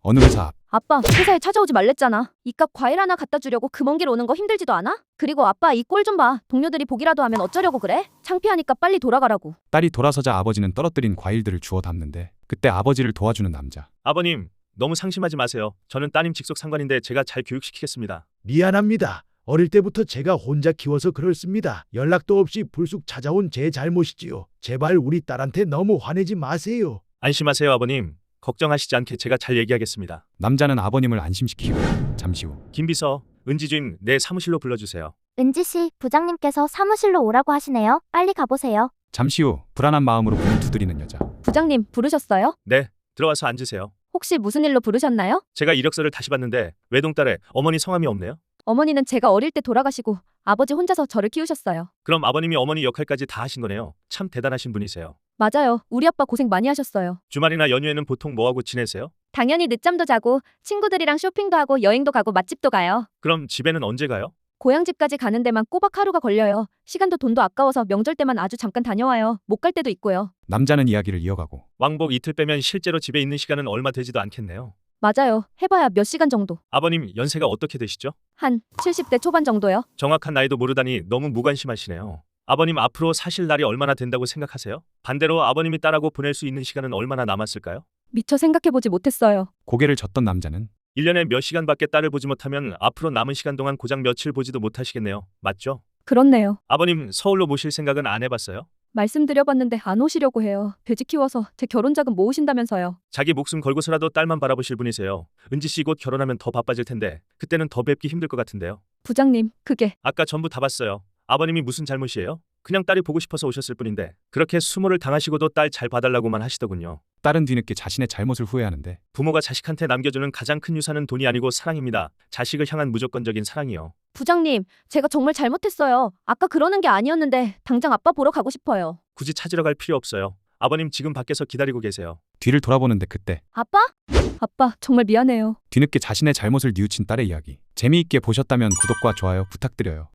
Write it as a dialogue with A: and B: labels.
A: 어느 회사 앞.
B: 아빠, 회사에 찾아오지 말랬잖아. 이깟 과일 하나 갖다 주려고 그 먼 길 오는 거 힘들지도 않아? 그리고 아빠 이 꼴 좀 봐. 동료들이 보기라도 하면 어쩌려고 그래? 창피하니까 빨리 돌아가라고.
A: 딸이 돌아서자 아버지는 떨어뜨린 과일들을 주워 담는데 그때 아버지를 도와주는 남자.
C: 아버님, 너무 상심하지 마세요. 저는 따님 직속 상관인데 제가 잘 교육시키겠습니다.
D: 미안합니다. 어릴 때부터 제가 혼자 키워서 그렇습니다. 연락도 없이 불쑥 찾아온 제 잘못이지요. 제발 우리 딸한테 너무 화내지 마세요.
C: 안심하세요, 아버님. 걱정하시지 않게 제가 잘 얘기하겠습니다.
A: 남자는 아버님을 안심시키고 잠시 후
C: 김 비서, 은지 주임 내 사무실로 불러주세요.
E: 은지 씨, 부장님께서 사무실로 오라고 하시네요. 빨리 가보세요.
A: 잠시 후 불안한 마음으로 문을 두드리는 여자.
B: 부장님, 부르셨어요?
C: 네, 들어와서 앉으세요.
B: 혹시 무슨 일로 부르셨나요?
C: 제가 이력서를 다시 봤는데 외동딸에 어머니 성함이 없네요.
B: 어머니는 제가 어릴 때 돌아가시고 아버지 혼자서 저를 키우셨어요.
C: 그럼 아버님이 어머니 역할까지 다 하신 거네요. 참 대단하신 분이세요.
B: 맞아요. 우리 아빠 고생 많이 하셨어요.
C: 주말이나 연휴에는 보통 뭐하고 지내세요?
B: 당연히 늦잠도 자고 친구들이랑 쇼핑도 하고 여행도 가고 맛집도 가요.
C: 그럼 집에는 언제 가요?
B: 고향집까지 가는 데만 꼬박 하루가 걸려요. 시간도 돈도 아까워서 명절 때만 아주 잠깐 다녀와요. 못 갈 때도 있고요.
A: 남자는 이야기를 이어가고
C: 왕복 이틀 빼면 실제로 집에 있는 시간은 얼마 되지도 않겠네요.
B: 맞아요. 해봐야 몇 시간 정도.
C: 아버님 연세가 어떻게 되시죠?
B: 한 70대 초반 정도요.
C: 정확한 나이도 모르다니 너무 무관심하시네요. 아버님 앞으로 사실 날이 얼마나 된다고 생각하세요? 반대로 아버님이 딸하고 보낼 수 있는 시간은 얼마나 남았을까요?
B: 미처 생각해보지 못했어요.
A: 고개를 젓던 남자는
C: 1년에 몇 시간밖에 딸을 보지 못하면 앞으로 남은 시간 동안 고작 며칠 보지도 못하시겠네요. 맞죠?
B: 그렇네요.
C: 아버님 서울로 모실 생각은 안 해봤어요?
B: 말씀드려봤는데 안 오시려고 해요. 돼지 키워서 제 결혼 자금 모으신다면서요.
C: 자기 목숨 걸고서라도 딸만 바라보실 분이세요. 은지 씨 곧 결혼하면 더 바빠질 텐데 그때는 더 뵙기 힘들 것 같은데요.
B: 부장님, 그게
C: 아까 전부 다 봤어요. 아버님이 무슨 잘못이에요? 그냥 딸이 보고 싶어서 오셨을 뿐인데 그렇게 수모를 당하시고도 딸 잘 봐달라고만 하시더군요.
A: 딸은 뒤늦게 자신의 잘못을 후회하는데
C: 부모가 자식한테 남겨주는 가장 큰 유산은 돈이 아니고 사랑입니다. 자식을 향한 무조건적인 사랑이요.
B: 부장님, 제가 정말 잘못했어요. 아까 그러는 게 아니었는데 당장 아빠 보러 가고 싶어요.
C: 굳이 찾으러 갈 필요 없어요. 아버님 지금 밖에서 기다리고 계세요.
A: 뒤를 돌아보는데 그때
B: 아빠? 아빠, 정말 미안해요.
A: 뒤늦게 자신의 잘못을 뉘우친 딸의 이야기. 재미있게 보셨다면 구독과 좋아요 부탁드려요.